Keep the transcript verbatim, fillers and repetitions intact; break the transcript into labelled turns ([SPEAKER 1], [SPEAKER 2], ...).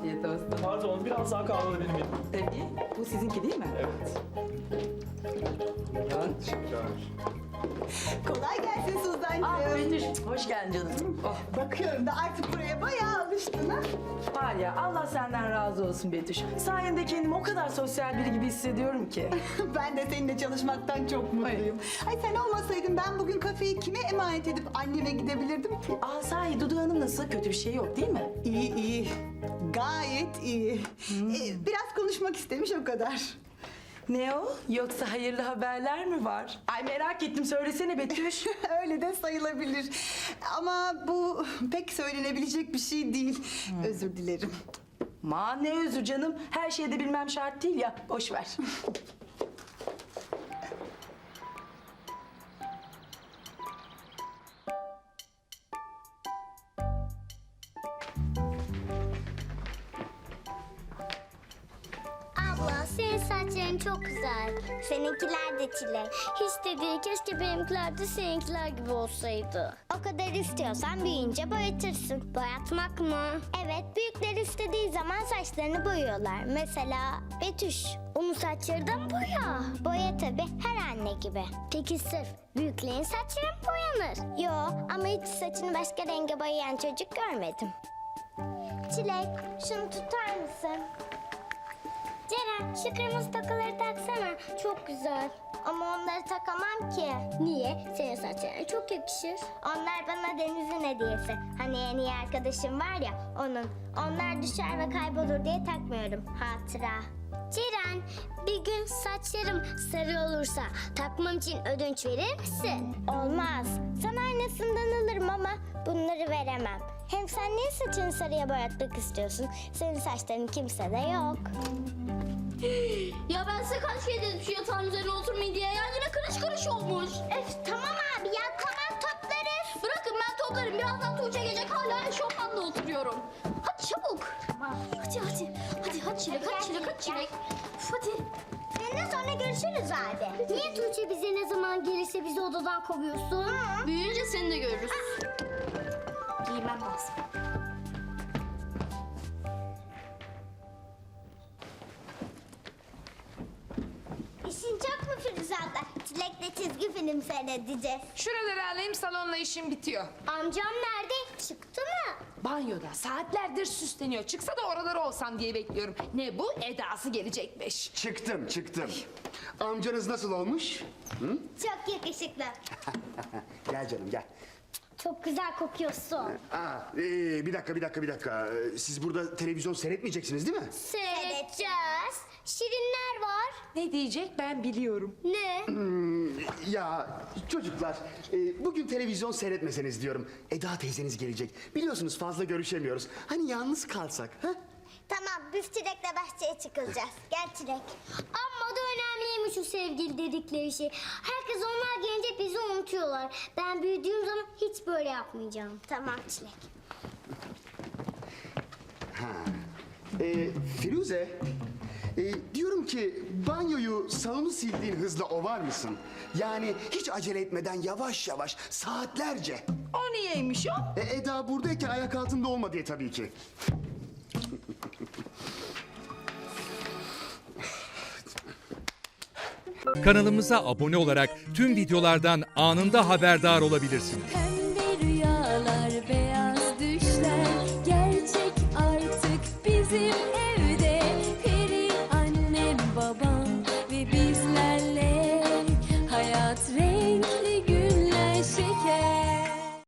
[SPEAKER 1] Afiyet olsun.
[SPEAKER 2] Pardon, biraz daha kahve benim yedim.
[SPEAKER 1] Tabii. Bu sizinki değil mi?
[SPEAKER 2] Evet.
[SPEAKER 1] Buyurun.
[SPEAKER 2] Teşekkürler.
[SPEAKER 3] Kolay gelsin Suzan'cığım.
[SPEAKER 1] Ah Betüş, hoş geldin canım. Oh,
[SPEAKER 3] Bakıyorum da artık buraya bayağı alıştın ha.
[SPEAKER 1] var ya, Allah senden razı olsun Betüş. Sayende kendimi o kadar sosyal biri gibi hissediyorum ki.
[SPEAKER 3] Ben de seninle çalışmaktan çok mutluyum. Ay sen olmasaydın ben bugün kafeyi kime emanet edip anneme gidebilirdim ki?
[SPEAKER 1] Aa sahi Dudu Hanım nasıl? Kötü bir şey yok değil mi?
[SPEAKER 3] İyi iyi. Gayet iyi. Ee, biraz konuşmak istemiş o kadar.
[SPEAKER 1] Ne o? Yoksa hayırlı haberler mi var? Ay merak ettim, söylesene Betüş.
[SPEAKER 3] Öyle de sayılabilir. Ama bu pek söylenebilecek bir şey değil. Özür dilerim.
[SPEAKER 1] Ma ne özür canım. Her şeyde bilmem şart değil ya. Boş ver.
[SPEAKER 4] Abla senin saçların çok güzel. Seninkiler de çilek. Hiç de değil, keşke benimkiler de seninkiler gibi olsaydı. O kadar istiyorsan büyüyünce boyatırsın. Boyatmak mı? Evet, büyükler istediği zaman saçlarını boyuyorlar. Mesela Betüş. Onun saçları da mı boya? Boya tabii, her anne gibi. Peki sırf büyüklerin saçları mı boyanır? Yo, ama hiç saçını başka renge boyayan çocuk görmedim. Çilek, şunu tutar mısın? Ceren, şu kırmızı tokaları taksana. Çok güzel. Ama onları takamam ki. Niye? Senin saçlarına çok yakışır. Onlar bana Deniz'in hediyesi. Hani en iyi arkadaşım var ya, onun. Onlar düşer ve kaybolur diye takmıyorum. Hatıra. Ceren, bir gün saçlarım sarı olursa takmam için ödünç verir misin? Olmaz. Sana aynısından alırım ama bunları veremem. Hem sen niye saçını sarıya boyatmak istiyorsun? Senin saçların kimsede yok.
[SPEAKER 5] Ya ben size kaç kere dedim şu yatağın üzerine oturmayın diye. Ya yine kırış kırış olmuş.
[SPEAKER 4] Öf tamam abi ya, tamam toplarız.
[SPEAKER 5] Bırakın ben toplarım. Birazdan Tuğçe gelecek, hala eşofmanla oturuyorum. Hadi çabuk. Hadi hadi. Hadi hadi çilek,
[SPEAKER 4] Hadi
[SPEAKER 5] hadi
[SPEAKER 4] gel,
[SPEAKER 5] çilek, hadi
[SPEAKER 4] gel.
[SPEAKER 5] çilek. Üf, hadi.
[SPEAKER 4] Seninle sonra görüşürüz abi. Niye Tuğçe bize ne zaman gelirse bizi odadan kovuyorsun?
[SPEAKER 5] Büyüyünce seni de görürüz. Giymem lazım.
[SPEAKER 4] İşin çok mu Firuze abla? Çilek'le çizgi film seyredeceğiz.
[SPEAKER 6] Şuraları alayım, salonla işim bitiyor.
[SPEAKER 4] Amcam nerede? Çıktı mı?
[SPEAKER 6] Banyoda saatlerdir süsleniyor. Çıksa da oraları olsam diye bekliyorum. Ne bu? Edası gelecekmiş.
[SPEAKER 7] Çıktım, çıktım. Amcanız nasıl olmuş? Hı?
[SPEAKER 4] Çok yakışıklı.
[SPEAKER 7] Gel canım, gel.
[SPEAKER 4] Çok güzel kokuyorsun.
[SPEAKER 7] Aa, ee, bir dakika, bir dakika, bir dakika. Ee, Siz burada televizyon seyretmeyeceksiniz değil mi?
[SPEAKER 4] Seyredeceğiz. Şirinler var.
[SPEAKER 6] Ne diyecek ben biliyorum.
[SPEAKER 4] Ne?
[SPEAKER 7] Ya çocuklar, e, bugün televizyon seyretmeseniz diyorum. Eda teyzeniz gelecek. Biliyorsunuz fazla görüşemiyoruz. Hani yalnız kalsak, ha?
[SPEAKER 4] Tamam, biz Çilek'le bahçeye çıkılacağız. Gel Çilek. Amma da önemliymiş o sevgili dedikleri şey. Herkes onlar gelince bizi unutuyorlar. Ben büyüdüğüm zaman hiç böyle yapmayacağım. Tamam Çilek.
[SPEAKER 7] Ee, Firuze, e, diyorum ki banyoyu, salonu sildiğin hızla ovar mısın? Yani hiç acele etmeden yavaş yavaş, saatlerce.
[SPEAKER 1] O niyeymiş o?
[SPEAKER 7] E, Eda buradayken ayak altında olma diye tabii ki.
[SPEAKER 8] Kanalımıza abone olarak tüm videolardan anında haberdar olabilirsiniz.
[SPEAKER 9] Pembe rüyalar, beyaz düşler gerçek artık bizim evde. Peri annem, babam ve bizlerle hayat